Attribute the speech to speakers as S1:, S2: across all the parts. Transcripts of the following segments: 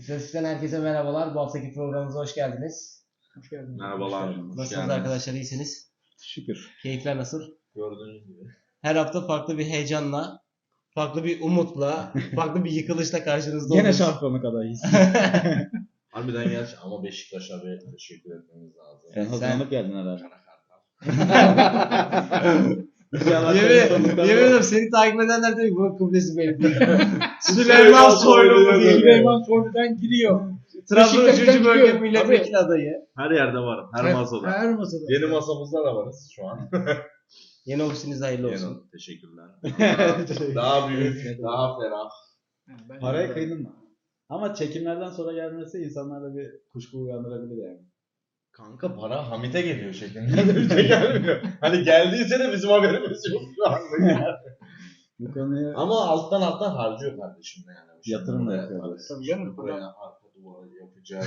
S1: İstatistikten herkese merhabalar. Bu haftaki programımıza hoş geldiniz.
S2: Hoş geldiniz.
S3: Merhabalar.
S1: Nasılsınız arkadaşlar? İyisiniz?
S2: Şükür.
S1: Keyifler nasıl?
S3: Gördüğünüz gibi.
S1: Her hafta farklı bir heyecanla, farklı bir umutla, farklı bir yıkılışla karşınızda
S2: Gene
S1: oluruz.
S2: şampiyonluk adayıyız.
S3: Harbiden gerçi ama Beşiktaş'a bir teşekkür etmemiz lazım.
S2: Sen hazırlanıp geldin herhalde.
S1: Yemin ederim seni takip edenler diyor ki bu kıblesi benim. Süleyman Soylu mu diye.
S2: Süleyman Soylu'dan giriyor.
S1: Trabzon 3.
S2: Beşiktaş'tan
S1: bölge
S2: gidiyor.
S1: milletvekili adayı.
S3: Her yerde varım. Her masada.
S2: Her masada.
S3: Yeni masamızda da varız şu an.
S1: Yeni ofisiniz hayırlı olsun.
S3: Yeni. Teşekkürler. Daha büyük, daha ferah.
S2: Paraya kıydın mı? Ama çekimlerden sonra gelmesi insanlarda bir kuşku uyandırabilir yani.
S3: Kanka para Hamit'e geliyor şeklinde. Bize gelmiyor. Hani geldiyse de bizim haberimiz yok şu anda yani.
S2: Bu konuyu
S3: Ama alttan harcıyor kardeşim yani.
S2: Yatırım da
S3: Buraya-
S2: yapıyor.
S3: Tabii
S2: canım.
S3: Buraya arka duvarı yapacak.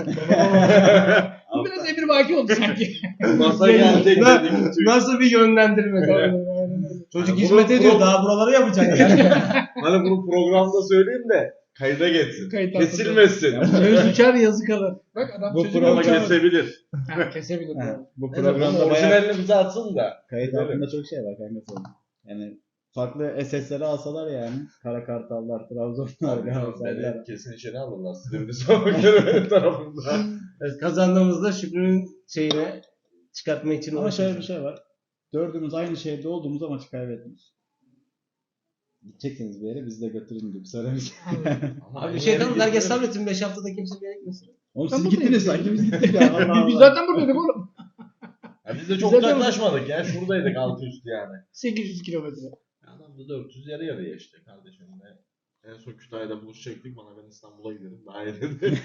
S2: bu biraz Emir Vaki oldu sanki.
S3: Masa gelecek dedim.
S1: Nasıl bir yönlendirme? Çocuk
S3: Yani
S1: hizmet
S3: bunu-
S1: ediyor. Daha buraları yapacak yani.
S3: Hani bunu programda söyleyeyim de kayda geçsin.
S2: Kayıt
S3: Kesilmesin.
S2: Söz uçar yazı kalır. Bak adam
S3: Bu
S2: sözünü
S3: programa
S2: uçar.
S3: kesebilir.
S2: Kesebilir.
S3: Programda
S2: Bu
S3: programda
S2: bayağı
S3: orijinalini bize atsın da.
S2: kayıt
S3: Gidelim.
S2: altında çok şey var kanka sonra. Yani farklı SS'leri alsalar yani. Kara Kartallar, Trabzonlar, Galatasaraylar.
S3: Beni kesin içeri alırlar. Silivri Savunma tarafında.
S1: Evet, kazandığımızda Şükrü'nün şeyine çıkartma için
S2: Ama şöyle bir
S1: uğraşıyoruz.
S2: şey var. Dördümüz aynı şehirde olduğumuz maçı kaybetmiyoruz. Gideceksiniz bir yere bizi de götürün gibi söylemiş.
S1: Abi bir şey kalmadı. Herkes sabretsin. 5 haftada kimse bir yere gitmesin.
S2: Oğlum
S4: Ben
S2: siz
S4: buradayım.
S2: gittiniz sanki biz gittik ya. Allah Allah.
S4: Biz zaten buradaydık oğlum.
S3: Ya biz de çok
S4: Zaten-
S3: uzaklaşmadık ya. Şuradaydık altı üstü yani.
S4: 800 kilometre.
S3: Adam da 400 yarı yarıya işte kardeşimle. En son Kütahya'da buluşacaktık. Bana ben İstanbul'a gidelim. Daha iyi dedi.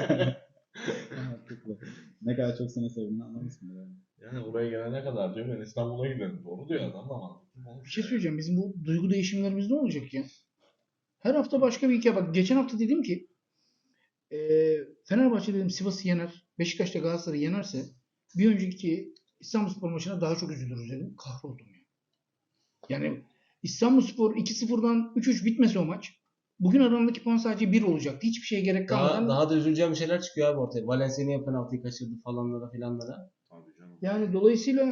S2: Mantıklı. Ne kadar çok seni sevdiğini anlamışsın yani.
S3: Yani oraya gelene kadar diyor ben İstanbul'a gidelim. Doğru diyor adam da mantıklı.
S4: Bir şey söyleyeceğim. Bizim bu duygu değişimlerimiz ne olacak ya? Her hafta başka bir hikaye. Bak geçen hafta dedim ki Fenerbahçe dedim Sivas'ı yener. Beşiktaş'ta Galatasaray'ı yenerse bir önceki İstanbulspor maçına daha çok üzülürüz dedim. Kahroldum ya. Yani İstanbulspor 2-0'dan 3-3 bitmese o maç. Bugün aralarındaki puan sadece 1 olacaktı. Hiçbir şeye gerek kalmadan.
S1: Daha da üzüleceğim şeyler çıkıyor abi ortaya. Valencia niye penaltıyı kaçırdı falanlara filanlara.
S3: Tabii canım.
S4: Yani dolayısıyla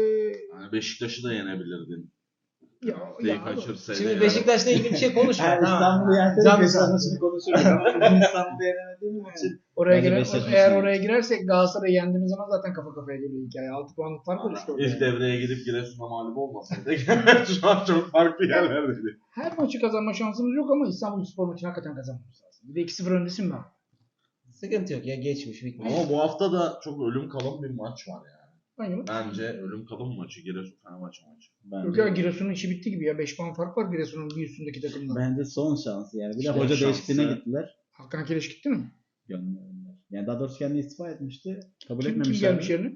S3: Yani Beşiktaş'ı da yenebilirdin.
S4: ya
S3: Penaltıyı kaçırsaydın.
S1: Şimdi
S3: yani.
S1: Beşiktaş'la ilgili bir şey konuşma.
S2: Yani
S1: tamam.
S2: İstanbul'u yersek
S1: Can
S2: Beşiktaş
S1: sağ.
S2: maçını konuşuruz ama bugün İstanbul'u yenemediğimiz için
S4: oraya
S2: Bence
S4: girer,
S2: Beşiktaş
S4: eğer
S2: maçı.
S4: oraya girersek Galatasaray'ı yendiğimiz zaman zaten kafa kafaya geliyor hikaye. 6 puanlık fark oluştu orada.
S3: İlk devreye gidip Giresun'a mağlup olmasaydık şu an çok farklı yerlerdeydik.
S4: Her maçı kazanma şansımız yok ama İstanbulspor maçını hakikaten kazanmamız lazım. Bir de 2-0 öndesin ben.
S1: Sıkıntı yok ya geçmiş bitmiş.
S3: Ama bu hafta da çok ölüm kalım bir maç var yani.
S4: Aynen.
S3: Bence ölüm kalım maçı Giresun Fenerbahçe maçı.
S4: Yok ya Giresun'un işi bitti gibi ya. 5 puan fark var Giresun'un bir üstündeki takımdan.
S2: Bence son şansı yani. Bir de
S3: Son
S2: hoca
S3: şansı.
S2: değişikliğine gittiler.
S4: Hakan Kireç gitti mi?
S2: Gönderdiler. Yani daha doğrusu kendi istifa etmişti. Kabul
S4: Kim
S2: etmemişler.
S4: gelmiş yerine?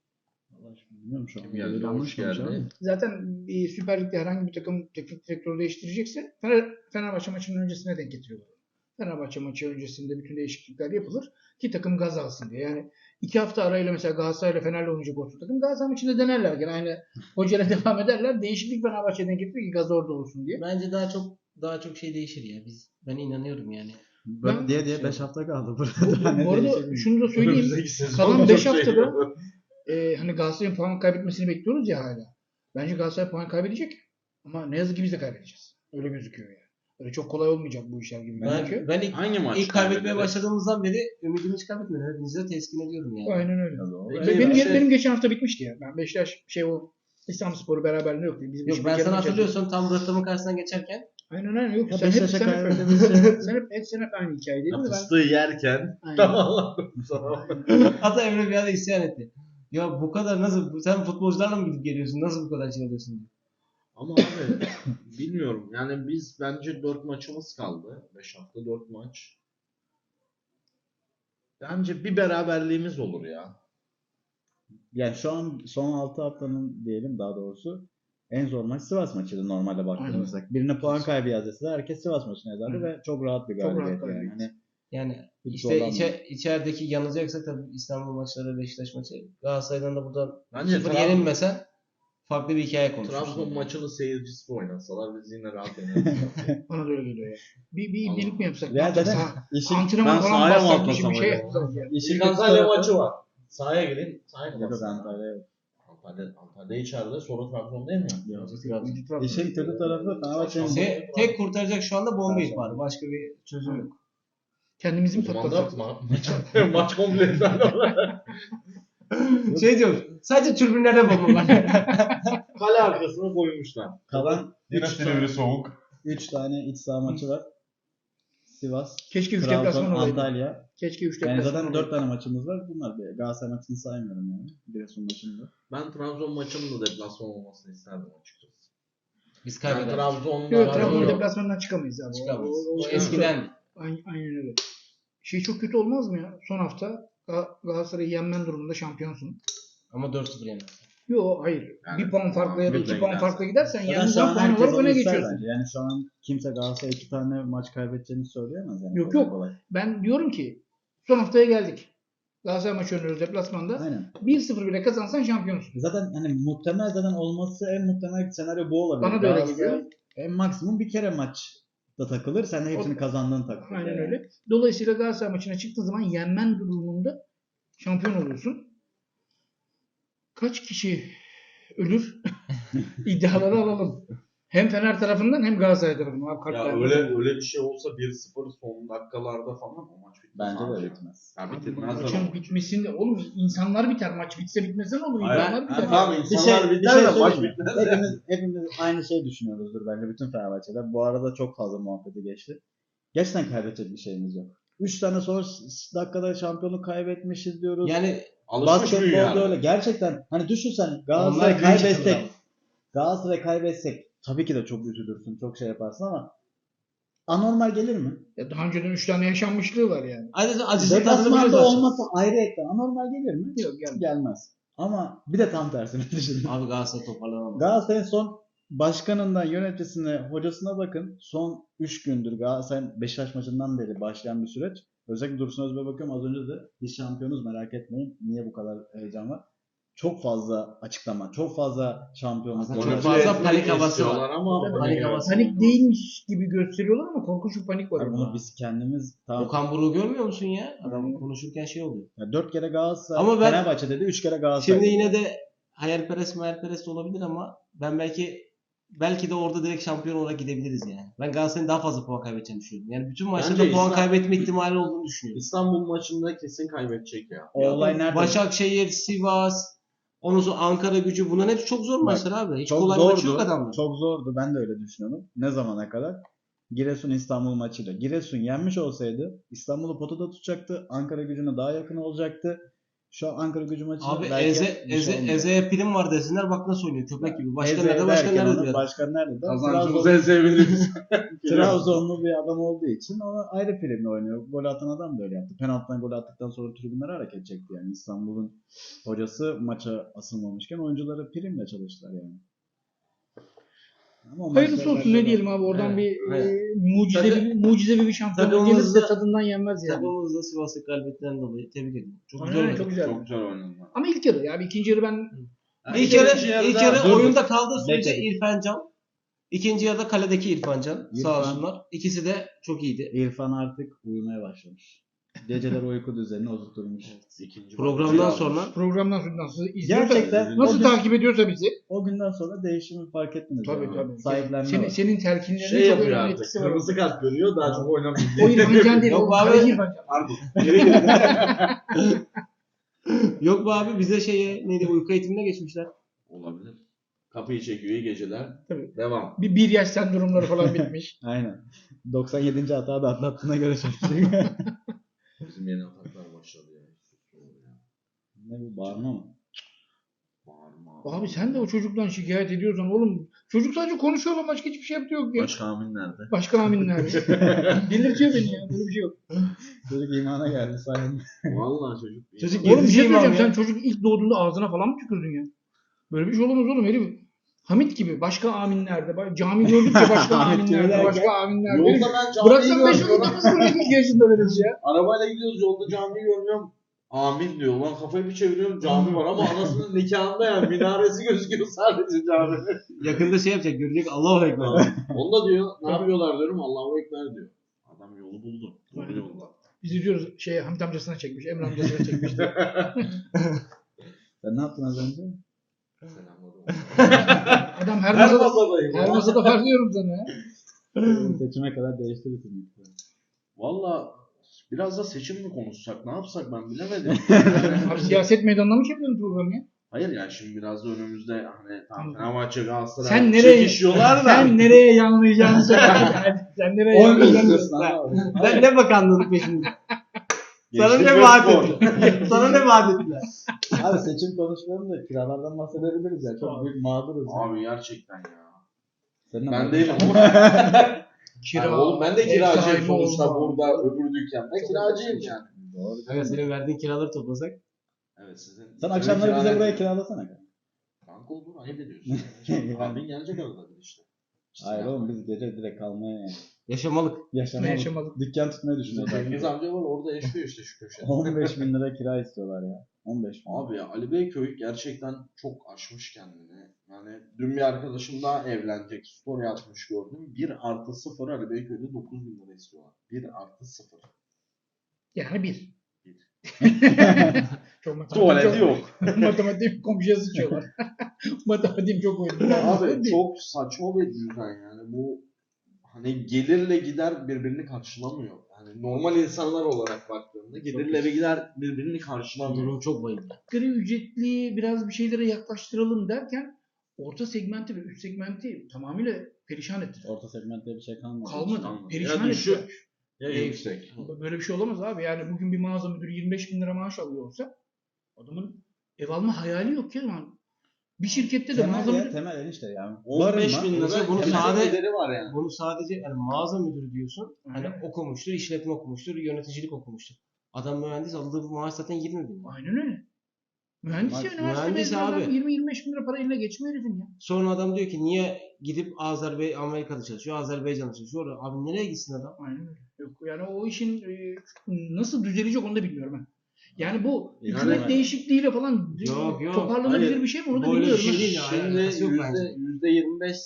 S2: Allah aşkına bilmiyorum şu an.
S3: Kim geldi?
S2: Böyle
S3: Hoş
S2: yanlış konuşuyor
S3: geldi.
S2: ama.
S4: Zaten bir Süper Lig'de herhangi bir takım teknik direktörü değiştirecekse Fenerbahçe maçının öncesine denk getiriyorlar. Fenerbahçe maçı öncesinde bütün değişiklikler yapılır ki takım gaz alsın diye. Yani 2 hafta arayla mesela Galatasaray'la Fener'le oynayacak olsun takım Galatasaray maçında denerler. Yani aynı hocayla devam ederler. Değişiklik Fenerbahçe'den getirir ki gaz orada olsun diye.
S1: Bence daha çok şey değişir ya. Ben inanıyorum yani.
S2: Böyle
S4: Ben-
S2: diye 5 hafta kaldı burada.
S4: Bu arada şunu da söyleyeyim.
S3: Önümüzdeki sezon
S4: Kalan
S3: çok
S4: 5
S3: şey
S4: haftada
S3: yapalım.
S4: hani Galatasaray'ın puan kaybetmesini bekliyoruz ya hala. Bence Galatasaray puan kaybedecek. Ama ne yazık ki biz de kaybedeceğiz. Öyle gözüküyor yani. Öyle çok kolay olmayacak bu işler gibi gözüküyor.
S1: Ben
S3: Hangi maç?
S1: ilk kaybetmeye
S3: kaybederiz?
S1: başladığımızdan beri ümidimi hiç kaybetmedim. Hepinizi de teskin ediyorum yani.
S4: Aynen öyle.
S3: Peki,
S4: Benim geçen hafta bitmişti ya. Ben Beşiktaş o İstanbulspor'u beraberliğinde yoktu. Biz
S1: Yok ben sana hatırlıyorsun tam rıhtımın karşısından geçerken
S4: Aynen aynen yok.
S2: Ya
S4: Sen hep,
S2: Beşiktaş'a
S4: sen, hep,
S2: kaybedemezse-
S4: sen hep aynı hikayedeydin
S3: Ya
S4: de ben.
S3: fıstığı yerken
S4: Aynen.
S3: tamam sana.
S1: hatta Emre bir ara isyan etti. Ya bu kadar nasıl sen futbolcularla mı gidip geliyorsun? Nasıl bu kadar şey alıyorsun diye.
S3: Ama abi bilmiyorum. Yani biz bence 4 maçımız kaldı. 5 hafta 4 maç. Bence bir beraberliğimiz olur ya.
S2: Yani şu an son 6 haftanın diyelim daha doğrusu en zor maç Sivas maçıydı normalde baktığımızda. Birine puan kaybı yazsa herkes Sivas maçını yazardı ve çok rahat bir
S4: Çok rahat
S2: galibiyet yani.
S4: galibiyet.
S2: Hani
S1: Yani
S2: Hiç
S1: işte
S2: zorlanmadım.
S1: içerideki yanılacaksak tabii İstanbul maçları, Beşiktaş maçı. Galatasaray'dan da buradan
S3: Bence
S1: 0 yenilmesen farklı bir hikaye konuşmuşlar.
S3: Trabzon maçını seyircisi oynasalar biz yine rahat yeneriz.
S4: Bana da öyle geliyor ya. Bir birlik mi yapsak?
S2: Ya
S4: Ne yapacağız?
S2: zaten işin
S4: Antrenman
S3: Ben
S4: falan
S3: sahaya mı
S4: bassak bir şey
S3: atlasam acaba?
S4: yapacağız yani.
S2: işin
S3: İlk
S2: kötü
S3: Antalya
S2: tarafı-
S3: maçı var. Sahaya gidin. Sahaya
S2: Yok,
S3: kapatsın.
S2: Antalya.
S3: Antalya içeride, sonra Trabzon değil mi?
S2: İşin kötü tarafı Fenerbahçe'nin
S1: Tek kurtaracak şu anda Bombay var. Başka bir çözüm yok.
S4: Kendimizi
S3: O
S4: mi
S3: zaman da
S4: patlatacağız?
S3: maç komple iptal olur.
S1: Şey diyorum. Sadece tribünlerde bomba var.
S3: Kale arkasına koymuşlar.
S2: kalan
S3: Yine Silivri soğuk.
S2: 3 tane iç saha maçı var. Sivas,
S4: Keşke 3
S2: Trabzon,
S4: deplasman olaydı.
S2: Antalya.
S4: Keşke 3
S2: Yani
S4: deplasman
S2: zaten
S4: olaydı.
S2: 4 tane maçımız var. Bunlar bir Galatasaray maçını saymıyorum yani. Giresun maçında.
S3: Ben Trabzon maçının da deplasman olmasını isterdim açıkçası.
S1: Biz
S3: Yani
S1: kaybederiz.
S3: Trabzon'da
S4: Yok, Trabzon
S1: Yok.
S4: deplasmandan çıkamayız abi.
S1: Çıkamayız.
S4: O
S1: O eskiden.
S4: Aynen öyle. Şey çok kötü olmaz mı ya? Son hafta Galatasaray'ı yenmen durumunda şampiyonsun.
S1: Ama 4-0 yener.
S4: Yok hayır.
S3: Yani
S4: bir puan farkla ya da
S3: bir
S4: 2 puan
S3: gidersen.
S4: farkla gidersen
S2: Zaten
S4: yani
S2: şu an
S4: puan
S2: herkes
S4: olarak
S2: onu
S4: öne
S2: ister
S4: geçiyorsun.
S2: bence. Yani şu an kimse Galatasaray 2 tane maç kaybedeceğini söyleyemez yani.
S4: Yok,
S2: Kolay
S4: yok.
S2: kolay.
S4: Ben diyorum ki son haftaya geldik. Galatasaray maçı oynuyoruz deplasmanda.
S2: Aynen.
S4: 1-0 bile kazansan şampiyonsun.
S2: Zaten hani muhtemel zaten olması en muhtemel senaryo bu olabilir.
S4: Bana da öyle
S2: Galatasaray
S4: geliyor.
S2: En maksimum bir kere maçta takılır. Sen de hepsini kazandığın takılır.
S4: Aynen
S2: yani.
S4: öyle. Dolayısıyla Galatasaray maçına çıktığın zaman yenmen durumunda şampiyon oluyorsun. Kaç kişi ölür? İddiaları alalım. Hem Fener tarafından hem Galatasaray tarafından. Abi
S3: Ya
S4: kartlar-
S3: öyle bir şey olsa 1-0 son dakikalarda falan o maç bitmez.
S2: Bence
S3: abi.
S2: de bitmez.
S3: Ya
S4: Abi
S3: bitirmez de.
S4: maçın bitmesinde oğlum insanlar biter. Maç bitse bitmese ne olur? İnsanlar biter.
S3: Tamam
S2: Bir
S3: insanlar
S2: şey, bir
S3: biter
S2: şey
S3: de maç
S2: söyleyeyim mi?
S3: bitmez.
S2: Hepimiz aynı şey düşünüyoruzdur bence bütün Fenerbahçe'de. Bu arada çok fazla muhabbeti geçti. Gerçekten kaybedecek bir şeyimiz yok. 3 tane son dakikada şampiyonluk kaybetmişiz diyoruz.
S1: Yani
S3: Alışmış büyüyor
S2: Basketbolda
S3: yani.
S2: öyle. Gerçekten hani düşünsen
S1: Onlar
S2: Galatasaray
S1: büyük
S2: kaybetsek,
S1: takımlar.
S2: Galatasaray kaybetsek tabii ki de çok üzülürsün, çok şey yaparsın ama anormal gelir mi?
S4: Ya daha önceden 3 tane yaşanmışlığı var yani.
S1: acısını tadını biliyoruz
S2: Deplasmanda
S1: aslında.
S2: olması ayrı ekran. Anormal gelir mi?
S4: Yok gelmez.
S2: Gelmez. Ama bir de tam tersini düşünün.
S1: Abi Galatasaray toparlanamaz.
S2: Galatasaray'ın son başkanından yöneticisine, hocasına bakın. Son 3 gündür Galatasaray'ın Beşiktaş maçından beri başlayan bir süreç. Özellikle Dursun Özbek'e bakıyorum. Az önce de biz şampiyonuz merak etmeyin. Niye bu kadar heyecan var? Çok fazla açıklama, çok fazla şampiyonluk.
S1: Aslında
S2: golü.
S1: çok fazla panik havası
S3: istiyorlar
S1: var.
S3: ama
S1: Panik havası.
S4: Panik değilmiş gibi gösteriyorlar ama korkunç bir panik var.
S2: Yani
S4: orada.
S2: bunu biz kendimiz tamam.
S1: Okan Buruk'u görmüyor musun ya? Adam konuşurken şey oluyor.
S2: 4 kere Galatasaray,
S1: Ama ben-
S2: Fenerbahçe dedi, 3 kere Galatasaray.
S1: Şimdi yine de hayalperest olabilir ama ben belki de orada direkt şampiyon olarak gidebiliriz yani. Ben Galatasaray'ın daha fazla puan kaybedeceğini düşünüyorum. Yani bütün maçlarda
S3: Bence
S1: puan
S3: İslam-
S1: kaybetme ihtimali olduğunu düşünüyorum.
S3: İstanbul maçında kesin kaybedecek ya.
S2: O olay nerede?
S1: Başakşehir, Sivas, ondan sonra Ankara Gücü bunların hepsi çok zor maçlar abi. Hiç
S2: Çok
S1: kolay
S2: zordu.
S1: maçı yok adamlar.
S2: Çok zordu. Ben de öyle düşünüyorum. Ne zamana kadar? Giresun İstanbul maçıyla. Giresun yenmiş olsaydı İstanbul'u potada tutacaktı. Ankara Gücü'ne daha yakın olacaktı. Şu an Ankara Gücü maçı
S1: Abi
S2: belki bir şey olmayacak.
S1: Eze'ye prim var desinler bak nasıl oynuyor köpek gibi. Başkan
S2: Eze
S1: nerede başkan
S2: derken
S1: nerede
S2: onu
S1: diyor.
S2: Başkan nerede?
S3: Kazancımızı ezebiliriz.
S2: Trabzonlu bir adam olduğu için o ayrı primle oynuyor. Gol atan adam da öyle yaptı. Penaltıdan gol attıktan sonra tribünler hareket çekti yani. İstanbul'un hocası maça asılmamışken oyuncuları primle çalıştılar yani. Ama o
S4: Hayırlısı
S2: maçlar
S4: olsun
S2: bence
S4: ne diyelim abi oradan
S1: Evet,
S4: bir
S1: evet.
S4: mucizevi bir şampiyonluk
S1: Takımımızda-
S4: gelirse tadından yenmez yani.
S1: Takımımızda Sivas'ı galibiyetinden dolayı tebrik ediyorum. Çok
S4: Aynen,
S1: güzel oynadı.
S4: çok güzel.
S3: Çok güzel oynadı.
S4: Ama ilk yarı yani ikinci yarı ben
S1: İlk yarı
S2: dur.
S1: oyunda kaldığı sürece
S2: Bekle.
S1: İrfan Can. İkinci yarıda kaledeki İrfan Can. Sağ
S2: İrfan.
S1: olsunlar. İkisi de çok iyiydi.
S2: İrfan artık uyumaya başlamış. Geceler uyku düzenini oturtmuş.
S3: İkinci
S1: Programdan
S3: maçı
S1: sonra
S4: programdan sonra nasıl izliyorsa,
S2: Gerçekten
S4: nasıl
S2: o gün-
S4: takip ediyorsa bizi.
S2: O günden sonra değişimi fark ettiniz.
S4: Tabii
S2: yani.
S4: tabii.
S2: Sahiplenme var.
S4: Senin telkinlerine
S3: şey
S4: çok
S3: yapıyor
S4: önemli
S3: artık.
S4: etkisi var.
S3: Kırmızı kart görüyor daha çok oynamıyor.
S4: O İrfan Can değil.
S1: Yok
S4: O
S1: abi.
S4: kaleci İrfan Can.
S3: Pardon.
S1: yok be abi bize neydi uyku eğitimine geçmişler.
S3: Olabilir. Kapıyı çekiyor iyi geceler.
S4: Tabii.
S3: Devam.
S4: Bir yaş sendromları falan bitmiş.
S2: Aynen. 97. hata da atlattığına göre şaşırtıcı.
S3: Bizim yeni ataklar başladı ya.
S2: Ne bu bağırma mı?
S3: Bağırma.
S4: Abi sen de o çocuktan şikayet ediyorsan oğlum çocuk sadece konuşuyor ama başka hiçbir şey yaptığı yok ya.
S3: Başka amin nerede?
S4: Başka aminler. Delirtiyor beni ya. Böyle bir şey yok.
S2: Çocuk imana geldi sayende.
S3: Vallahi çocuk.
S1: Çocuk-
S4: Oğlum bir şey
S1: Gezeceğim
S4: söyleyeceğim.
S1: abi
S4: Sen
S1: ya.
S4: çocuk ilk doğduğunda ağzına falan mı tükürdün ya? Böyle bir şey olamaz oğlum herif. Hamit gibi başka aminlerde. Cami gördükçe başka
S2: Hamit gibi
S4: aminlerde.
S2: derken,
S4: Başka aminlerde.
S3: Yolda ben camiyi
S4: Bıraksan 5
S3: görmüyorum.
S4: yaşında mısın? 2 yaşında veririz ya.
S3: Arabayla gidiyoruz yolda camiyi görmüyorum. Amin diyor. Lan kafayı bir çeviriyorum cami var ama anasının nikahında yani minaresi gözüküyor sadece cami.
S1: Yakında şey yapacak, görecek, Allahu Ekber.
S3: Onu da diyor ne yapıyorlar diyorum Allahu Ekber diyor. Adam yolu buldu. Doğru yolda.
S4: Biz diyoruz Hamit amcasına çekmiş, Emre amcasına çekmiş diye.
S2: Sen ne yaptın az önce?
S3: Selamladım.
S4: Adam her
S3: Her
S4: masada,
S3: masadayım.
S4: her masada var diyorum sana ya.
S2: Seçime kadar değiştirirsin.
S3: Valla biraz da seçim mi konuşsak ne yapsak ben bilemedim.
S4: Abi siyaset meydanına mı çekiyorsun programı ya?
S3: Hayır yani şimdi biraz da önümüzde hani tam Fenerbahçe Galatasaray
S4: Sen nereye,
S3: çekişiyorlar da.
S4: sen nereye yanlayacağını söyle. Yani sen nereye
S2: 10 gün
S4: yanlayacağını
S2: istiyorsun
S4: söyle.
S2: abi.
S1: Ben ne bakanlığın peşinde? Sana
S3: Gençlik
S1: ne
S3: ve
S1: vaat
S3: spor.
S1: ettiler? Sana ne vaat ettiler?
S2: Abi seçim konuşmayalım da kiralardan bahsedebiliriz ya. Çok büyük mağduruz. ya.
S3: Abi gerçekten ya.
S2: Senin
S3: Ben
S2: ama-
S3: değilim ama.
S4: Kira,
S3: Oğlum ben de
S4: ev
S3: kiracıyım
S4: sahibi
S3: sonuçta
S4: olma.
S3: burada öbür dükkanda kiracıyım yani.
S2: Doğru.
S1: Kanka senin verdiğin kiraları toplasak.
S3: Evet sizin.
S2: Sen akşamları bize
S3: kira
S2: buraya
S3: ne?
S2: kiralasana.
S3: Kanka olur ayıp ediyorsun. Abin gelecek arada bir işte.
S2: Hayır oğlum biz gece direkt kalmaya yani.
S1: Yaşamalık.
S2: Yaşamalık. Dükkan tutmayı düşünüyoruz.
S3: Cengiz amca var orada yaşıyor işte şu köşede.
S2: 15 bin lira kira istiyorlar ya. 15 bin.
S3: Abi ya Ali Beyköy gerçekten çok aşmış kendini. Yani dün bir arkadaşım daha evlenecek. Story atmış gördüm. 1+0 Ali Beyköy'de 9 bin lira istiyorlar. 1+0.
S4: Yani bir.
S3: Bir.
S4: Çok matematik
S3: Tuvaleti yok.
S4: Matematik komşuya sıçıyorlar. Matematiğim çok oyuncu.
S3: Abi çok saçma bir düzen yani. Bu hani gelirle gider birbirini karşılamıyor. Yani normal insanlar olarak baktığında gelirle ve gider birbirini karşılamıyor.
S1: Durum çok bayıldı.
S4: Asgari ücretli biraz bir şeylere yaklaştıralım derken orta segmenti ve üst segmenti tamamıyla perişan ettiler.
S2: Orta segmentte bir şey kalmadı.
S4: Kalmadı.
S3: kalmadı.
S4: Perişan
S3: Ya düşük,
S4: ettiler.
S3: ya yüksek.
S4: Böyle bir şey olamaz abi. Yani bugün bir mağaza müdürü 25 bin lira maaş alıyor olsa adamın ev alma hayali yok ya. Yani bir şirkette de mağaza
S2: Temel ya,
S4: müdürü...
S2: temel enişte yani.
S3: 15 bin
S1: Yoksa
S3: lira
S1: bunu
S3: temel
S1: sade-
S3: gideri var yani.
S1: Bunu sadece yani mağaza müdürü diyorsun. Hani
S4: Aynen.
S1: okumuştur, işletme okumuştur, yöneticilik okumuştur. Adam mühendis, aldığı maaş zaten 20 bin lira.
S4: Aynen öyle. Mühendis ya üniversite
S1: Mühendis
S4: mezunu adam
S1: abi.
S4: 20-25 bin lira para eline geçmiyor herifin ya.
S1: Sonra adam diyor ki niye gidip Amerika'da çalışıyor, Azerbaycan'da çalışıyor. Abi nereye gitsin adam?
S4: Aynen öyle. Yok yani o işin nasıl düzelecek onu da bilmiyorum ben. Yani bu
S3: Yani-
S4: hükümet değişikliğiyle falan
S1: Yok.
S4: toparlanabilir
S3: Hayır.
S4: bir şey mi onu da
S1: Böyle bir
S4: bilmiyorum.
S1: şey
S4: ben.
S1: değil ya.
S3: Şimdi
S1: alakası yok bence.
S3: %25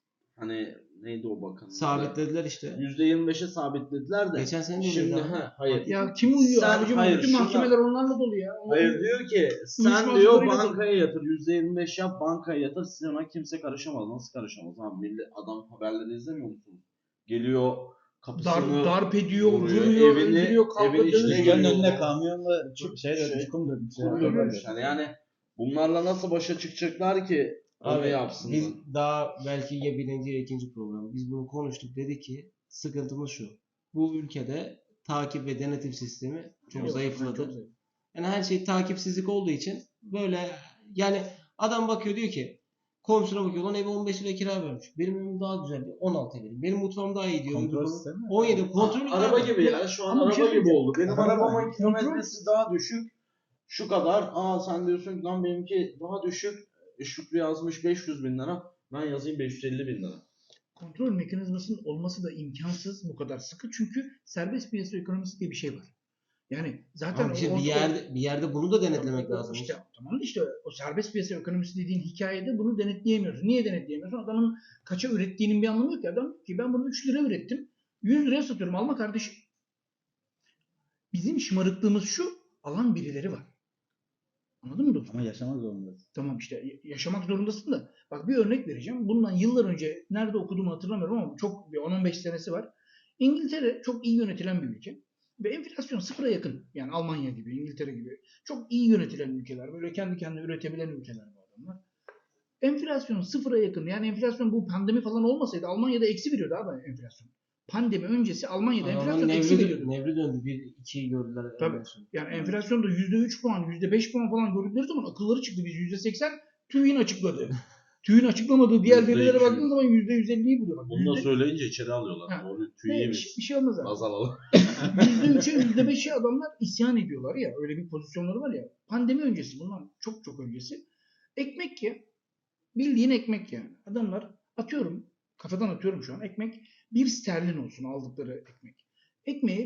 S3: hani neydi o bakan?
S1: Sabitlediler işte.
S3: %25'e sabitlediler de.
S1: Geçen sene de
S3: Şimdi
S1: öyleydi abi.
S3: hayır.
S4: Ya kim uyuyor
S3: Sen-
S4: abicim?
S3: hayır,
S4: Bütün
S3: şundan-
S4: mahkemeler onlarla dolu ya.
S3: Hayır diyor ki sen
S4: Uyuşmaz
S3: diyor
S4: zoruyla
S3: bankaya yatır %25 yap bankaya yatır sana kimse karışamaz. Nasıl karışamaz abi? Millet adam haberleri izlemiyor musunuz? Geliyor kapısını
S4: Darp ediyor,
S3: vuruyor,
S4: vuruyor,
S3: evini-
S4: öldürüyor, kavga
S3: evin içine
S4: dövüş.
S3: giriyor.
S2: Dükkanın önüne kamyonla
S3: Şey-
S2: çukum dökmüş.
S3: kuruyormuş. Yani bunlarla nasıl başa çıkacaklar ki onu
S1: Abi
S3: yapsınlar.
S1: biz daha belki ya birinci ya ikinci programı biz bunu konuştuk, dedi ki sıkıntımız şu. Bu ülkede takip ve denetim sistemi çok
S4: Yok,
S1: zayıfladı.
S4: çok zayıf.
S1: Yani her şey takipsizlik olduğu için böyle yani adam bakıyor diyor ki komşuna bakıyor lan eve 15 lira kira vermiş. Benim evim daha güzel diyor. 16 vereyim. Benim mutfağım daha iyi diyor.
S2: Kontrol
S1: Öbür
S2: sistemi.
S1: 17 kontrol
S3: Araba gibi ya. Şu an
S4: Ama bir şey
S3: araba gibi
S4: söyleyeceğim.
S3: oldu. Benim
S2: Araba
S3: arabamın
S2: gibi.
S3: kilometresi daha düşük. Şu kadar. Sen diyorsun ki lan benimki daha düşük. Şükrü yazmış 500 bin lira. Ben yazayım 550 bin lira.
S4: Kontrol mekanizmasının olması da imkansız bu kadar sıkı. Çünkü serbest piyasa ekonomisi diye bir şey var. Yani zaten
S1: Ama işte
S4: o-
S1: bir yerde bunu da denetlemek lazım.
S4: İşte tamam da işte o serbest piyasa ekonomisi dediğin hikayede bunu denetleyemiyoruz. Niye denetleyemiyorsun? Adamın kaça ürettiğinin bir anlamı yok ki. Adam diyor ki ben bunu 3 lira ürettim. 100 liraya satıyorum. Alma kardeşim. Bizim şımarıklığımız şu. Alan birileri var. Anladın mı dostum?
S2: Ama yaşamak zorundasın.
S4: Tamam işte yaşamak zorundasın da. Bak bir örnek vereceğim. Bundan yıllar önce nerede okuduğumu hatırlamıyorum ama çok bir 10-15 senesi var. İngiltere çok iyi yönetilen bir ülke. Ve enflasyon sıfıra yakın. Yani Almanya gibi, İngiltere gibi. Çok iyi yönetilen ülkeler. Böyle kendi kendine üretebilen ülkeler bu adamlar. Enflasyon sıfıra yakın. Yani enflasyon bu pandemi falan olmasaydı Almanya'da eksi veriyordu abi enflasyon. Pandemi öncesi Almanya'da enflasyon eksi veriyordu.
S1: Nevri döndü. 1-2'yi gördüler.
S4: Tabii.
S1: ondan sonra.
S4: Yani enflasyonda %3 puan, %5 puan falan gördükleri zaman akılları çıktı. Biz %80 TÜİ'nin açıkladı. TÜİ'nin açıklamadığı diğer
S3: %200.
S4: verilere baktığın zaman %150'yi buluyor. Bak,
S3: Bunu da
S4: yüzde-
S3: söyleyince içeri alıyorlar.
S4: Ha.
S3: Doğru
S4: bir
S3: tüyeymiş.
S4: şey olmaz abi.
S3: Baz alalım.
S4: %3'e %5'e adamlar isyan ediyorlar ya. Öyle bir pozisyonları var ya. Pandemi öncesi bundan çok çok öncesi. Ekmek ya. Bildiğin ekmek yani. Adamlar atıyorum. Kafadan atıyorum şu an. Ekmek 1 sterlin olsun aldıkları ekmek. ekmeğe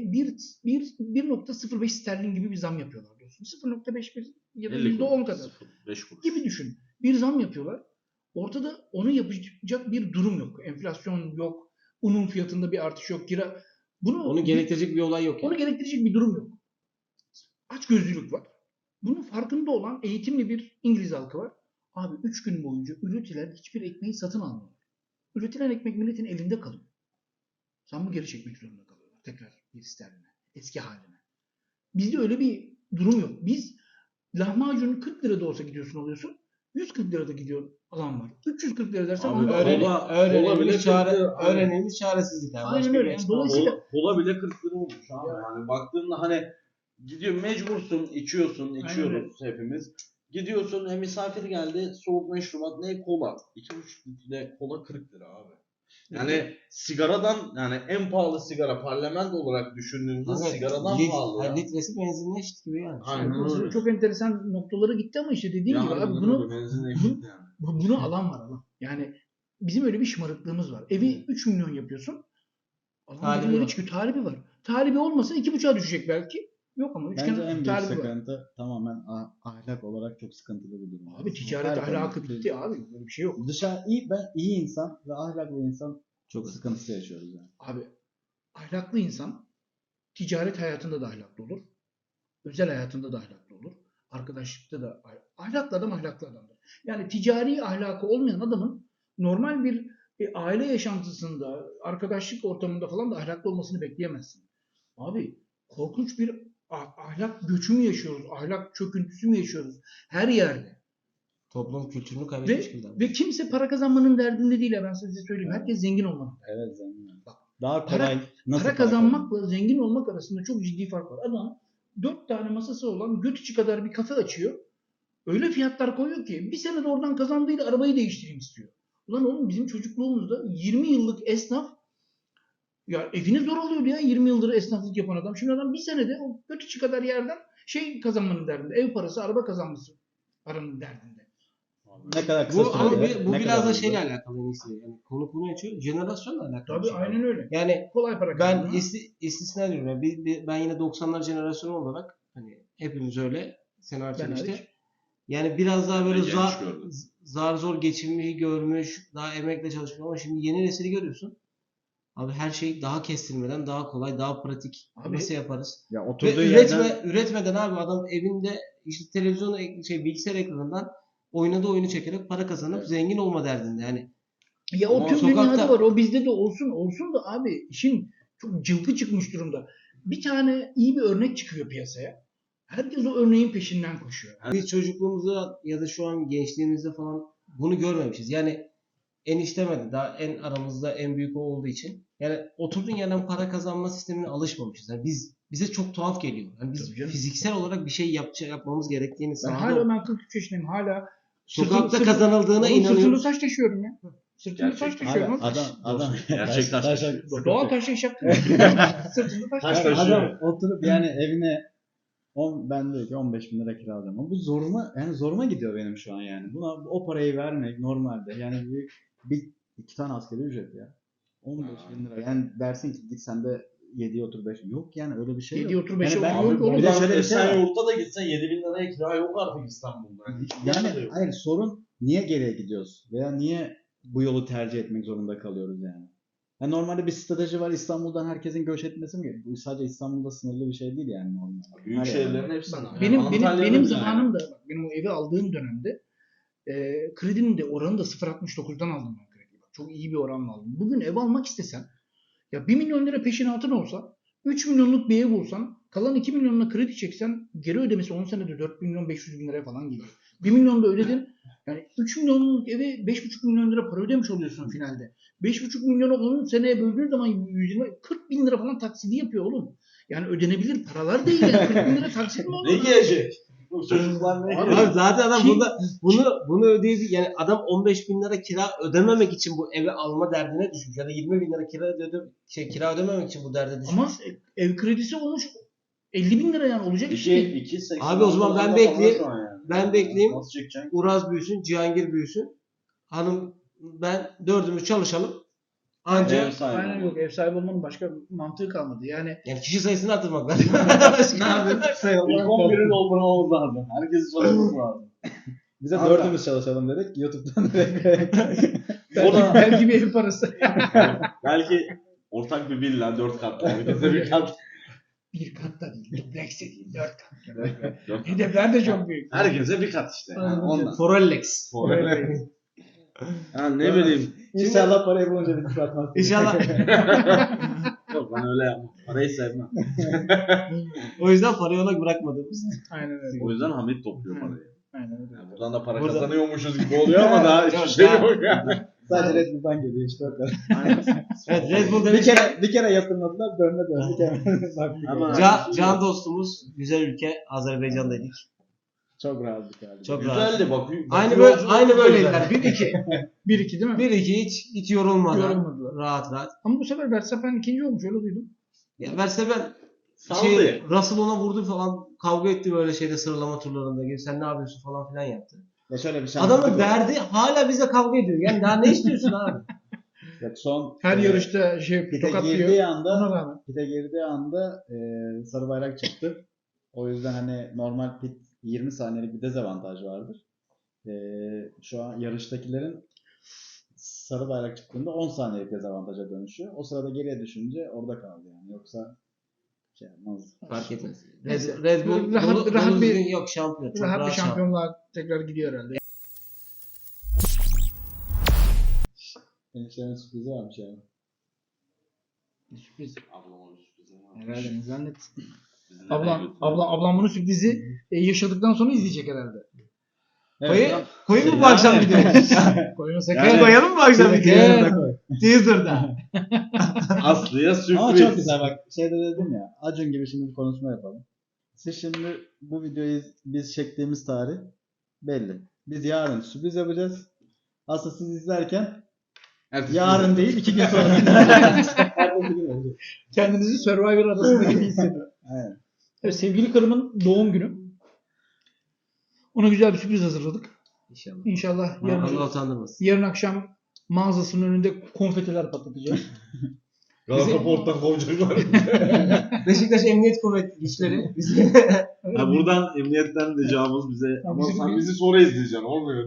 S4: 1.05 sterlin gibi bir zam yapıyorlar diyorsun. 0.51 ya da %10 kadar
S3: 5 kuruş.
S4: gibi düşün. Bir zam yapıyorlar. Ortada onu yapacak bir durum yok. Enflasyon yok. Unun fiyatında bir artış yok.
S1: Onu gerektirecek bir olay yok.
S4: Onu gerektirecek bir durum yok. Açgözlülük var. Bunun farkında olan eğitimli bir İngiliz halkı var. Abi 3 gün boyunca üretilen hiçbir ekmeği satın almıyorlar. Üretilen ekmek milletin elinde kalıyor. Zammı geri çekmek zorunda kalıyorlar. Tekrar bir sterline. Eski haline. Bizde öyle bir durum yok. Biz lahmacun 40 lira da olsa gidiyorsun alıyorsun. 140 lirada gidiyor alan var. 340 lira dersen
S3: Abi
S4: onu da
S1: Öğrenilmiş,
S3: olabilir.
S1: öğrenilmiş çaresizlik. Yani.
S4: Aynen
S1: Başka bir
S4: öyle. Yani
S1: açıklama yok.
S4: dolayısıyla
S3: Kola bile 40 lira olmuş abi. Yani baktığında hani gidiyor mecbursun içiyoruz hepimiz. Gidiyorsun misafir geldi soğuk meşrubat ne kola. 2,5 litre kola 40 lira abi. Yani sigaradan yani en pahalı sigara parlament olarak düşündüğümüzde
S1: Evet,
S3: sigaradan pahalı ya.
S1: litresi benzinle eşit gibi yani.
S3: Aynen öyle.
S4: çok enteresan noktalara gitti ama işte dediğim gibi abi bunu alan var alan. Yani bizim öyle bir şımarıklığımız var. Evi 3 milyon yapıyorsun.
S1: Talibi
S4: Alan
S1: var.
S4: çıkıyor. Talibi var. Talibi olmasa 2,5'a düşecek belki. Yok ama
S2: Bence en büyük
S4: talibi var.
S2: sıkıntı tamamen ahlak olarak çok sıkıntılı bir durum.
S4: Abi ticaret
S2: Her
S4: ahlakı
S2: konuda-
S4: bitti abi. Böyle bir şey yok.
S2: iyi insan ve ahlaklı insan
S1: Çok
S2: sıkıntısı yaşıyoruz yani.
S4: Abi ahlaklı insan ticaret hayatında da ahlaklı olur. Özel hayatında da ahlaklı olur. Arkadaşlıkta da ahlaklı adam ahlaklı adamdır. Yani ticari ahlakı olmayan adamın normal bir aile yaşantısında, arkadaşlık ortamında falan da ahlaklı olmasını bekleyemezsin. Abi korkunç bir ahlak göçü mü yaşıyoruz? Ahlak çöküntüsü mü yaşıyoruz? Her yerde.
S1: Toplum kültürünü kaybetmiş gibi.
S4: Ve kimse para kazanmanın derdinde değil. Ben size söyleyeyim. Herkes zengin olmalı.
S2: Evet zengin.
S4: Bak,
S2: Daha kolay
S4: Para kazanmakla zengin olmak arasında çok ciddi fark var. Adam 4 tane masası olan göt içi kadar bir kafe açıyor. Öyle fiyatlar koyuyor ki bir sene de oradan kazandığıyla arabayı değiştireyim istiyor. Ulan oğlum bizim çocukluğumuzda 20 yıllık esnaf ya evini zor alıyordu ya 20 yıldır esnaflık yapan adam. Şimdi adam bir senede o göt içi kadar yerden kazanmanın derdinde. Ev parası, araba kazanması paranın derdinde.
S2: Ne kadar kısa
S1: Bu, ama
S2: sürede,
S1: bu
S2: ne
S1: biraz
S2: kadar
S1: da
S2: hızlı.
S1: şeyle alakalı en iyisi. Yani konu açıyor. Jenerasyonla alakalı.
S4: Tabii
S1: bir şey.
S4: aynen öyle.
S1: Yani
S4: Kolay para
S1: ben
S4: kazanma.
S1: istisna diyorum. Yani ben yine 90'lar jenerasyonu olarak hani hepimiz öyle. Sen hariç
S4: Ben
S1: işte.
S4: hariç.
S1: Yani biraz daha böyle
S3: Ben genç gördüm.
S1: zar zor geçinmeyi görmüş, daha emekle çalışmış ama şimdi yeni nesili görüyorsun. Abi her şey daha kestirmeden, daha kolay, daha pratik.
S4: Abi,
S1: Nasıl yaparız?
S2: Ya
S1: Ve
S2: oturduğu yerden
S1: üretmeden abi adam evinde işte televizyon bilgisayar ekranından oynadığı oyunu çekerek para kazanıp
S2: Evet.
S1: zengin olma derdinde. Yani
S4: Ya o
S1: Ama
S4: tüm
S1: sokakta-
S4: dünyada var. O bizde de olsun. Olsun da abi işin çok cılkı çıkmış durumda. Bir tane iyi bir örnek çıkıyor piyasaya. Herkes o örneğin peşinden koşuyor.
S1: biz çocukluğumuzda ya da şu an gençliğimizde falan bunu görmemişiz. Yani eniştemedi. Daha en aramızda en büyük o olduğu için. Yani oturduğun yerden para kazanma sistemine alışmamışız. Yani bize çok tuhaf geliyor. Yani biz
S4: Tabii canım.
S1: fiziksel olarak bir şey yapmamız gerektiğini
S4: Ben
S1: sahada
S4: hala 43 yaşındayım. Hala
S1: sokakta kazanıldığına
S4: Oğlum sırtımda
S1: inanıyoruz.
S4: taş taşıyorum ya. Sırtımda taş
S3: Gerçekten.
S2: Abi,
S4: taşıyorum.
S2: adam
S3: Gerçekten
S4: Doğal taş yaşattım. Sırtımda taş
S3: Taş
S4: taşıyorum.
S3: taşıyor.
S2: adam oturup yani evine ben diyor ki 15 bin lira kira alıyorum. Ama bu zoruma gidiyor benim şu an yani. Buna o parayı vermek normalde yani iki tane asgari ücret ya. 15 bin lira. Yani dersin ki git sen de 7'ye otur 5. Yok yani öyle bir şey
S4: 7'ye
S2: yok.
S4: otur 5'e
S2: Yani ben-
S4: otur. Yok oğlum.
S2: Bir de şöyle bir şey var.
S3: Esenyurt'ta da gitsen 7.000 liraya kira yok artık İstanbul'da.
S2: Yani hayır sorun niye geriye gidiyoruz? Veya niye bu yolu tercih etmek zorunda kalıyoruz yani? Yani normalde bir strateji var İstanbul'dan herkesin göç etmesi mi? Bu sadece İstanbul'da sınırlı bir şey değil yani normal.
S3: Büyük
S2: Her
S3: şehirlerin
S2: yerde.
S3: hepsinde.
S4: Bak,
S3: Yani
S4: benim
S3: Antalya'da
S4: benim
S3: bile
S4: zamanımda bak, benim o evi aldığım dönemde kredinin de oranı da 0.69'dan aldım ben krediyi. Bak, çok iyi bir oranla aldım. Bugün ev almak istesen ya 1 milyon lira peşinatın olsa 3 milyonluk bir ev bulsan kalan 2 milyonla kredi çeksen geri ödemesi 10 senede 4 milyon 500 bin liraya falan geliyor. 1 milyon da ödedin. Yani 3 milyonluk eve 5,5 milyon lira para ödemiş oluyorsun finalde. 5,5 milyonu 10 seneye böldüğün zaman 120, 40 bin lira falan taksidi yapıyor oğlum. Yani ödenebilir paralar değil yani. 40 bin lira taksit mi olur?
S3: Ne giyecek? Bu çocuklar ne
S1: Abi
S3: giyecek?
S1: zaten adam
S4: Kim-
S1: bunu ödeyebilir. Yani adam 15 bin lira kira ödememek için bu evi alma derdine düşmüş. Ya da 20 bin lira kira ödememek için bu derde düşmüş.
S4: Ama ev kredisi olmuş 50 bin lira yani olacak iş değil.
S3: 2.80
S1: Abi o zaman ben
S3: falan
S1: bekleyeyim.
S3: şu an yani.
S1: Ben bekleyeyim.
S3: Nasıl çekeceksin?
S1: Uraz büyüsün, Cihangir büyüsün. Hanım ben dördümüz çalışalım. Anca
S3: Ev sahibi.
S4: Aynen yok. Ev sahibi olmanın başka mantığı kalmadı. Yani
S1: yani kişi sayısını arttırmak lazım.
S2: Ne yapayım?
S3: İlk 11'i doldurmamız lazım. Herkesi çalışması lazım.
S2: Bize
S3: Kanka.
S2: dördümüz çalışalım dedik. YouTube'dan direkt.
S3: O da
S4: belki bir ev parası.
S3: belki ortak bir villa 4 katlı. Herkese bir kat.
S4: Bir kat da değil. Dubleks de değil. 4 kat.
S3: 4 kat.
S4: Hedefler de çok büyük.
S3: Herkese bir kat işte. Yani ondan.
S1: Forellex.
S3: Ha, ne bileyim.
S2: İnşallah parayı bulunca bir atmaz.
S1: İnşallah.
S3: Yok ben öyle yapmam. Parayı sevmem.
S1: O yüzden parayı ona bırakmadığımız.
S4: Aynen öyle.
S3: O yüzden Hamit topluyor parayı.
S4: Aynen öyle.
S3: Yani buradan da para
S1: Burada-
S3: kazanıyormuşuz gibi oluyor ama daha hiçbir
S1: Yok,
S3: şey
S1: daha-
S3: yok yani.
S2: Sadece Red Bull'dan geliyor işte o kadar.
S1: Evet, Red Bull
S2: Bir
S1: demiş.
S2: kere yatırmadılar, döndük hemen. Baktık.
S3: Ama-
S1: Can dostumuz, güzel ülke, Azerbaycan'daydık.
S2: Çok rahatlık abi.
S1: Çok rahat.
S3: Güzeldi bak.
S1: Aynı böyleydiler. 1-2.
S4: 1-2 değil mi?
S1: 1-2 hiç yorulmadan.
S4: Yorulmadılar.
S1: Rahat rahat.
S4: Ama bu sefer Verstappen ikinci olmuş. Öyle duydum.
S1: Ya Verstappen
S3: Saldı.
S1: Russell ona vurdu falan, kavga etti böyle şeyde, sıralama turlarında gibi. Sen ne yapıyorsun falan filan yaptı.
S2: Ya şöyle bir şey
S1: Adamın
S2: anlattık
S1: derdi hala bize kavga ediyor. Yani daha ne istiyorsun abi?
S2: Yok, son
S4: Her yarışta
S2: pite
S4: tokatlıyor.
S2: girdiği
S4: Ona
S2: anda
S4: rağmen.
S2: sarı bayrak çıktı. O yüzden hani normal pit 20 saniyelik bir dezavantaj vardır. Şu an yarıştakilerin sarı bayrak çıktığında 10 saniyelik dezavantaja dönüşüyor. O sırada geriye düşünce orada kaldı yani. Yoksa şey yapmaz.
S1: Fark etmez.
S4: Neyse.
S1: Red Bull
S4: Rahat- rahat
S1: dolu
S4: bir-
S1: düzgün yok, şampiyon. Çok
S4: Rahat bir
S1: rahat şampiyon.
S4: şampiyonluğa tekrar gidiyor herhalde.
S2: Eniştemin sürprizi varmış yani.
S4: Sürpriz.
S3: Ablama bir sürpriz var.
S4: Herhalde ne zannet.
S3: Bizi nereye
S4: Ablam,
S3: götürdü?
S4: ablam bunun sürprizi yaşadıktan sonra izleyecek herhalde.
S1: Koyayım mı bu akşam videoyu?
S4: Koymasak
S3: Yani-
S1: Koyalım mı bu akşam videoyu?
S4: Evet.
S1: Teaser'da.
S3: Aslı'ya sürpriz.
S2: Ama çok güzel bak. Şeyde dedim ya. Acun gibi şimdi bir konuşma yapalım. Siz şimdi bu videoyu biz çektiğimiz tarih belli. Biz yarın sürpriz yapacağız. Aslında siz izlerken
S3: Ertesi
S2: yarın
S3: gün.
S2: değil 2 gün sonra. Ertesi gün olacak.
S4: Kendinizi Survivor adasında gibi hissediyor.
S2: Aynen.
S4: Evet, sevgili karımın doğum günü. Ona güzel bir sürpriz hazırladık.
S1: İnşallah.
S4: İnşallah
S1: Allah utandırmasın.
S4: yarın akşam mağazasının önünde konfetiler patlatacağız.
S3: Galata Port'tan kovacaklar.
S1: Beşiktaş Emniyet Kuvvetleri güçleri.
S3: Ya buradan emniyetten de cevabımız bize. Ama
S4: bizim
S3: sen
S4: bir-
S3: bizi sonra izleyeceksin. Olmuyor.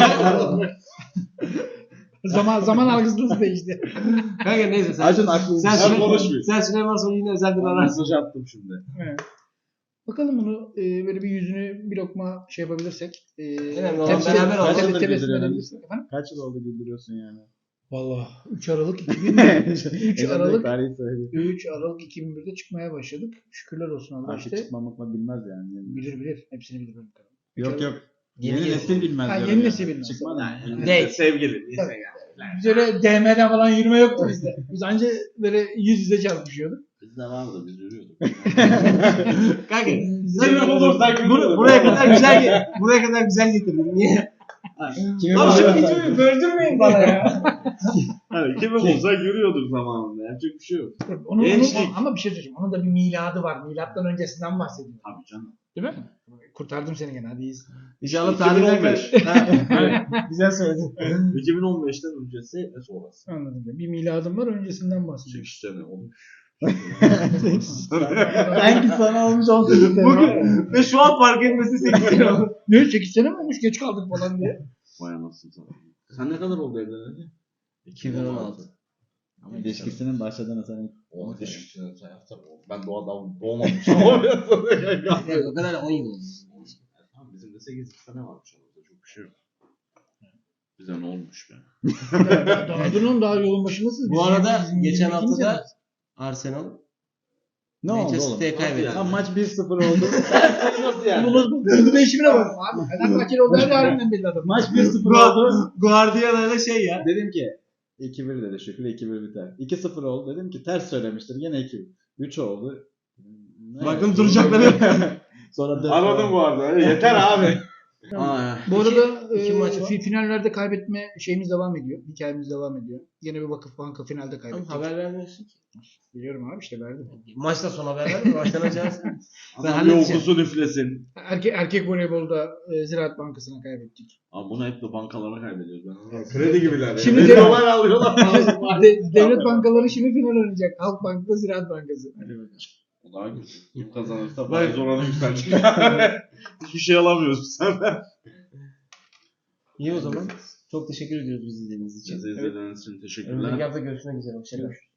S4: zaman algısınız değişti.
S1: Kanka neyse sen.
S2: Acun aklınızı
S3: Ben konuşmayayım.
S1: Sen Süleyman sonra yine özel bir
S3: Ben
S1: ararsın.
S3: mesaj attım şimdi.
S4: Evet. Bakalım bunu böyle bir yüzünü bir lokma şey yapabilirsek.
S1: Önemli olan beraber olmak.
S2: Kaç yıldır
S4: Tebessüm
S2: güldürüyorsun?
S4: edebilirsek efendim.
S2: Kaç yıl oldu güldürüyorsun yani?
S4: Valla 3 Aralık 3
S2: Aralık
S4: Aralık
S2: tarihi söyleyeyim.
S4: 3 Aralık 2001'de çıkmaya başladık. Şükürler olsun Allah
S2: Artık
S4: işte.
S2: çıkmamakla bilmez yani.
S4: Bilir. Hepsini bilir benim karım.
S2: Yok yok.
S1: Yeni
S2: Yeni nesil bilmez.
S4: Ha,
S2: diyorum
S4: yeni
S2: yani.
S4: nesil bilmez.
S2: Çıkmadı.
S1: Değil.
S3: Sevgili. Neyse
S4: Tabii.
S3: yani.
S4: Biz öyle DM'den falan yürüme yoktu bizde. Biz anca böyle yüz yüze çarpışıyorduk.
S3: Bizde vardı. Biz yürüyorduk.
S1: Kanka
S3: Sen olursak
S1: buraya kadar güzel getirdin. Niye?
S2: Kimi
S1: Abi
S2: bulacak?
S1: şu videoyu böldürmeyin bana ya.
S3: Hani kimi bulsak yürüyorduk zamanında. Yapacak bir şey yok.
S4: Onun,
S3: Gençlik.
S4: ama bir şey söyleyeceğim. Onun da bir miladı var. Milattan öncesinden bahsediyorum.
S3: Tabii canım.
S4: Değil mi? Kurtardım seni gene. Hadi iyiyiz.
S1: İnşallah
S3: 2015.
S1: Güzel söyledin.
S3: 2015'ten öncesi ve sonrası.
S4: Anladım. Bir miladım var. Öncesinden bahsediyorum.
S3: 8 sene olmuş.
S2: Sanki sana olmuş 18 sene.
S1: Bugün ve şu an fark etmesi 8 sene oldu.
S4: Ne 8 sene mi olmuş? Geç kaldık falan diye.
S3: Vay anasını satayım. Sen ne kadar oldu evleneli?
S1: 2016.
S2: Ama ilişkisinin başladığını sana
S3: O ilişkisini sen yapsana. Ben doğmamışım. Ama
S1: Evet, o kadar 10 yıl oldu.
S3: Tamam bizim de 8 sene varmış aramızda. Çok bir şey yok. Bize ne olmuş be?
S4: Daha daha yolun başındasınız.
S1: Bu
S4: Biz
S1: arada
S4: bizim
S1: geçen
S4: 22.
S1: hafta da
S4: senedeyiz.
S1: Arsenal
S2: ne oldu
S1: Manchester
S2: oğlum?
S1: City'ye kaybetti.
S3: Yani.
S2: Ha, maç 1-0 oldu.
S3: Nasıl yani?
S4: Bunun değişimine bak. Abi Fenerbahçeli olduğu her halinden belli adam.
S2: Maç 1-0 oldu.
S1: Guardiola'da şey ya.
S2: Dedim ki 2-1 dedi Şükrü 2-1 biter. 2-0 oldu. Dedim ki ters söylemiştir. Yine 2. 3 oldu. Ne
S1: Bakın
S2: yaptı?
S1: duracakları yok.
S2: Sonra 4
S3: Anladım bu arada. Yeter abi. Aa,
S4: Bu arada
S1: iki maç var.
S4: finallerde kaybetme şeyimiz devam ediyor. Hikayemiz devam ediyor. Yine bir Vakıfbank finalde
S1: Ama
S4: kaybettik.
S1: haber vermiyorsun ki.
S4: Biliyorum abi işte verdim.
S1: Maçta son haber vermiyor. Maçtan önce versin. Ben
S3: adam
S1: halledeceğim.
S3: yolcusu üflesin.
S4: Erkek voleybolda Ziraat Bankası'na kaybettik.
S3: Abi bunu hep de bankalara kaybediyoruz. Ben kredi gibiler ya.
S4: Şimdi
S3: Şimdi dolar alıyorlar.
S4: Devlet bankaları şimdi final oynayacak. Halk Bank'ta Ziraat Bankası.
S3: O daha kötü. Kim kazanırsa faiz oranı yükselecek. Hiçbir şey alamıyoruz biz senden.
S1: İyi o zaman. Çok teşekkür ediyoruz bizi izlediğiniz için.
S3: Bizi izlediğiniz için teşekkürler.
S1: Önümüzdeki hafta görüşmek üzere. Hoşçakalın.